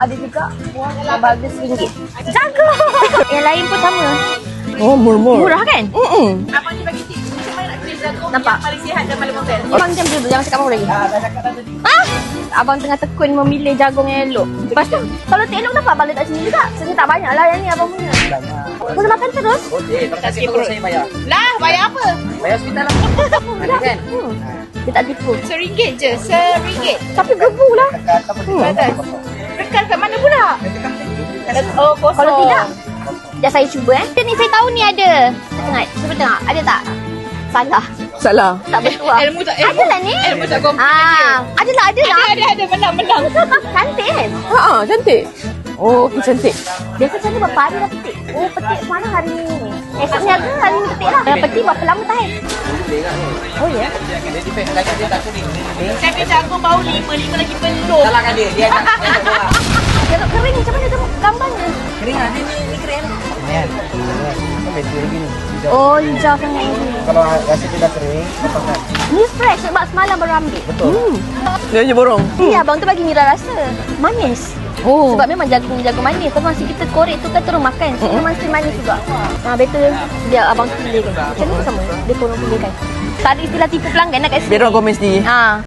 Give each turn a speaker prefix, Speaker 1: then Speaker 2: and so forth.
Speaker 1: Ada juga buah yang harga RM1. Jaga! Yang lain pun sama.
Speaker 2: Oh, murmur.
Speaker 1: Murah kan?
Speaker 3: Abang ni bagi tips. Macam mana nak pilih jagung
Speaker 1: Nampak?
Speaker 3: yang paling sihat dan paling modern?
Speaker 1: Abang jam dulu, jangan cakap apa lagi.
Speaker 3: Dah cakap dah tadi.
Speaker 1: Abang tengah tekun memilih jagung yang elok. Lepas tu, kalau tak elok kenapa abang letak sini juga? Sini tak banyak lah yang ni abang punya. Boleh makan terus?
Speaker 4: Okey, terima kasih perut saya bayar.
Speaker 3: Lah, bayar apa?
Speaker 4: Bayar hospital lah. Ada kan?
Speaker 1: Dia tak tipu.
Speaker 3: RM1 je. RM1.
Speaker 1: Tapi gebu lah.
Speaker 3: Bagus. Tekan kat mana pula? Oh, kosong.
Speaker 1: Kalau tidak, sekejap saya cuba Ni saya tahu ni ada. Tengok, cuba tengok. Ada tak? Salah.
Speaker 2: Salah.
Speaker 1: Tak bertuah.
Speaker 3: Ilmu tak
Speaker 1: Ada lah ni.
Speaker 3: Ilmu tak komplit.
Speaker 1: Ada lah, ada lah.
Speaker 3: Ada. Menang.
Speaker 1: Cantik kan?
Speaker 2: Ha, cantik. Oh, okey cantik.
Speaker 1: Biasa macam ni berapa hari dah petik? Oh, petik semalam hari ni. Esoknya ada hari ni petik lah. Dah petik berapa lama tahan? Oh ya?
Speaker 4: Dia defend lagi dia tak kuning.
Speaker 3: Saya punya jagung bau 5 lagi belum.
Speaker 4: Salahkan dia. Dia nak bola.
Speaker 1: Kalau kering macam mana tengok gambarnya?
Speaker 4: Kering ah, ni kering. Kan. Kan betul lagi ni.
Speaker 1: Oh, hijau sangat ni.
Speaker 4: Kalau rasa dia dah kering, potongkan.
Speaker 1: Ni fresh sebab semalam baru ambil.
Speaker 4: Betul.
Speaker 2: Dia je borong.
Speaker 1: Ni abang tu bagi nira rasa. Manis.
Speaker 2: Oh.
Speaker 1: Sebab memang jagung manis. Tapi masa kita korek tu kan terus makan. So, memang still manis juga. Better dia abang pilih kan. Macam ni pun sama. Dia korang pilih kan. Tak ada istilah tipu pelanggan nak kat sini.
Speaker 2: Biar orang komen sendiri.